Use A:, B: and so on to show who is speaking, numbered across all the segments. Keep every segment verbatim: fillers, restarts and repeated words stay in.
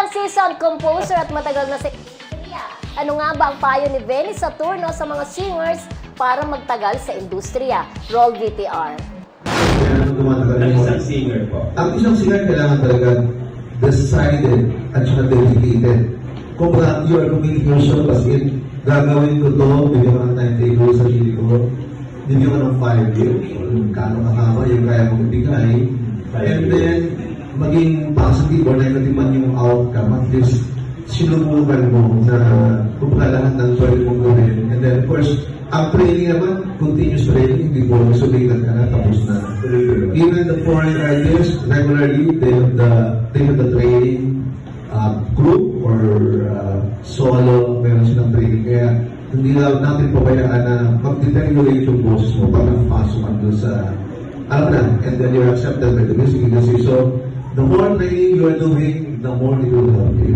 A: Ilang season, composer at matagal na si... Ano nga ba ang payo ni Benny Saturno sa mga singers para magtagal sa industriya? Roll V T R.
B: Ang isang singer po.
C: Ang isang singer kailangan talaga decided at saka dedicated. Kung uh, you are committing yourself as in, gagawin ko to, bigyan ko ng timetable sa sarili ko, bigyan ko ng five years, kung kano kakama yung kaya kong ibigay, and then, maging positive or negative man yung outcome, at least, sinubukan mo na kung lahat ng pwede mong gawin. And then, of course, ang training naman, continuous training, hindi po sulikat ka na, tapos na. Even the foreign artists, regularly, they have the, they have the training uh, group or uh, solo, meron silang training. Kaya, hindi na natin pabayaan na mag-deteriorate yung boses mo pag napasok ka doon sa, alam na, and then you're accepted by the music industry. So, the more training you are doing, the more it will help you.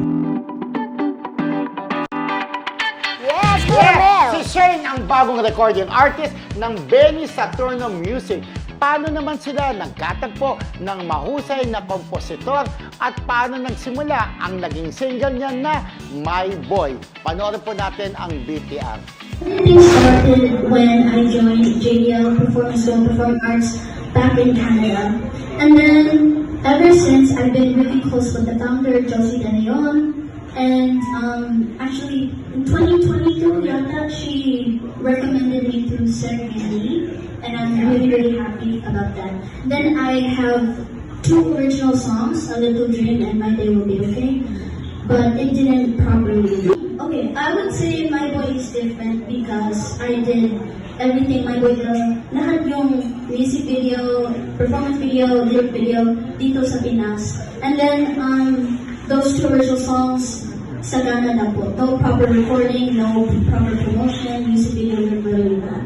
A: Yes,
D: Yeah,
A: Coronel!
D: si Shane ang bagong recording artist ng Benny Saturno Music. Paano naman sila nagkatagpo ng mahusay na kompositor at paano nagsimula ang naging single niya na My Boy? Panoorin po natin ang B T R.
E: Everything started when I joined J D L Performance and Performing Arts back in Canada. And then, ever since, I've been really close with the founder, Josie De Leon. And um, actually, in twenty twenty-two, yata, she recommended me to Sir Andy. And I'm really, really happy about that. Then I have two original songs, A Little Dream and My Day Will Be Okay. But it didn't properly. Okay, I would say My Boy is different because I did everything My Boy does. Lahat yung music video, performance video, lyric video dito sa Pinas. And then um, those two original songs, sagana na po. No proper recording, no proper promotion, music video, lyric video na.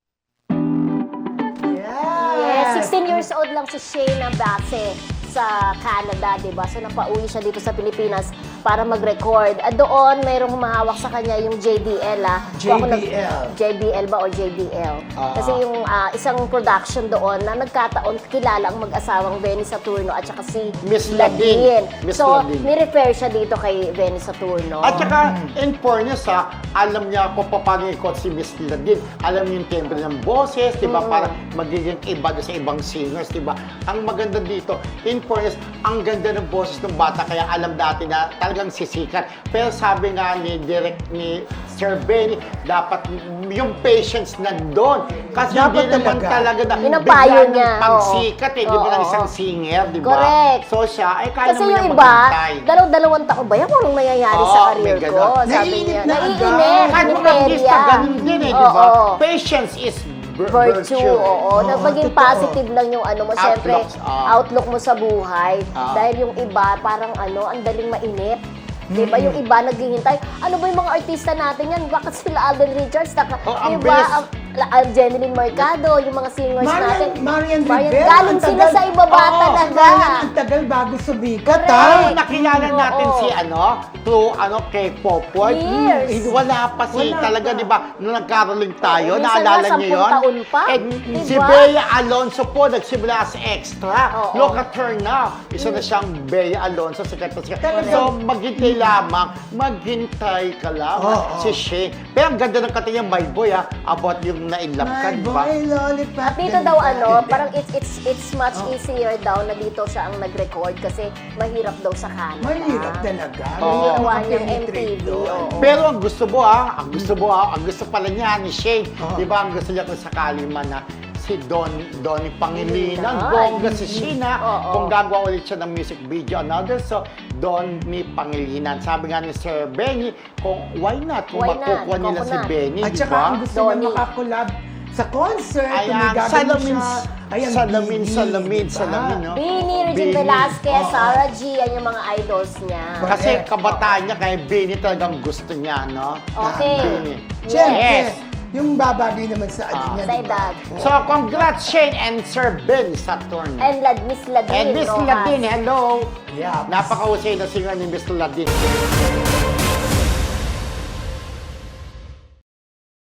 A: Yes, sixteen years old lang si Shane na base sa Canada, diba? So, napauwi siya dito sa Pilipinas para mag-record. At doon, mayroong humahawak sa kanya yung J D L, ah. Kung ako nag-
D: J D L.
A: J D L ba or J D L?
D: Ah.
A: Kasi yung ah, isang production doon na nagkataon kilala ang mag-asawang Benny Saturno at saka si
D: Miss Ladin. Miss
A: So,
D: Ladin.
A: ni-refer siya dito kay Benny Saturno.
D: At saka, in fairness ha, alam niya kung paano ikot si Miss Ladin. Alam niya yung timbre ng boses, di ba? Para magiging iba doon sa ibang singers, di ba? Ang maganda dito, in fairness, ang ganda ng boses ng bata, kaya alam natin na talagang sisikat. Pero sabi nga ni direct ni Sir Benny, dapat yung patience nandun. Kasi
F: Dapat
D: hindi naman
F: talaga.
D: talaga na
A: Yun ang
D: bigla
A: payo
D: ng
A: niya,
D: pagsikat eh, di ba,
A: oo.
D: ng isang singer, di ba?
A: Correct.
D: So siya, ay kaya
A: Kasi
D: naman
A: yung
D: niya
A: iba,
D: maghintay.
A: dalaw-dalawang taon ba yan? Anong nangyayari
D: Oo,
A: sa
D: may
A: career ko?
D: ganon.
A: Sabi
F: Naiinip
A: niya.
F: na agad.
A: Naiinip,
D: Kahit mga artista,
A: hiniperya.
D: ganun din eh, di ba?
A: Oo.
D: Patience is vir-
A: Virtue, oo.
F: Oo,
A: na maging
F: totoo.
A: positive lang yung ano mo. Siyempre,
D: Outlooks, ah.
A: outlook mo sa buhay.
D: Ah.
A: Dahil yung iba, parang ano, ang daling mainip. Diba? Yung iba naghihintay. Ano ba yung mga artista natin yan? Bakit sila Alden Richards? Naka,
D: Oh, ang
A: diba?
D: bilis.
A: Ang, ang Jeneline Mercado, yung mga singers
F: Marian,
A: natin.
F: Marian
A: Marian,
F: Rivera.
A: galing
F: ang
A: sila
F: tagal-
A: sa ibaba
D: Oo,
A: talaga.
F: Marian, ang tagal bago sumikat,
A: Correct.
F: ha?
D: Pero nakilala natin
A: Oo.
D: si ano, through ano, K-pop world.
A: Years.
D: Hmm, wala pa si
F: Wala
D: talaga,
F: pa.
D: di ba, nung nagkaroling tayo,
A: Minsan
D: naalala
A: nga,
D: niyo
A: sampung
D: yun?
A: taon pa.
D: Eh,
A: Diba?
D: Si Bea Alonso po, nagsimula sa Extra.
A: Oo.
D: Look at her now. Isa na siyang Bea Alonso, sikat na sikat.
F: Talaga.
D: So, maghintay lamang, maghintay ka lamang,
F: Oo.
D: si Shane. Pero ang ganda ng kanta niya, My Boy, ah, about yung na-inlove ka,
F: My
D: di ba?
F: boy, lollipop.
A: At dito daw ano, parang it's it's it's much easier daw na dito siya ang nag-record kasi mahirap daw sa Canada.
F: Mahirap talaga.
D: Oo.
F: Mahirap
A: Ginawa niyang M T
F: makapenetrate
A: V.
F: doon.
A: oo.
D: Pero ang gusto mo ah, ang gusto mo ah, ang gusto pala niya ni Shane,
F: Oo.
D: di ba ang gusto niya kung sakali man na si Don, Donnie Pangilinan,
A: Pangilinan.
D: bongga si Sheena,
A: Oo.
D: kung gagawa ulit siya ng music video, another, so Donnie Pangilinan. Sabi nga ni Sir Benny, kung why not, kung
A: Why not?
D: makukuha nila si
A: Coconut.
D: Benny,
F: At
D: di
F: saka
D: ba?
F: ang gusto niya
A: Donnie.
F: makakolab sa concert. kung may
D: Ayan,
F: gagawin
D: salamin,
F: siya. Ayan,
D: salamin,
F: Bini,
D: salamin,
F: diba?
D: salamin, no?
A: Bini, Regine
D: Bini.
A: Velasquez,
F: Oo.
A: Sarah G, yan yung mga idols niya.
D: Kasi
F: Correct.
D: kabataan niya, kaya Benny talagang gusto niya, no?
A: Okay.
D: Benny.
F: Siyempre,
D: Yes.
F: yung babagay naman sa ano
D: Ah.
F: niya,
A: Sa
F: diba?
A: edad.
D: So, congrats Shane and Sir Ben Saturn.
A: And Lad, Miss Ladin.
D: And Miss
A: Rojas.
D: Ladin, hello!
F: Yeah.
D: Napakahusay na singer ni Miss Ladin.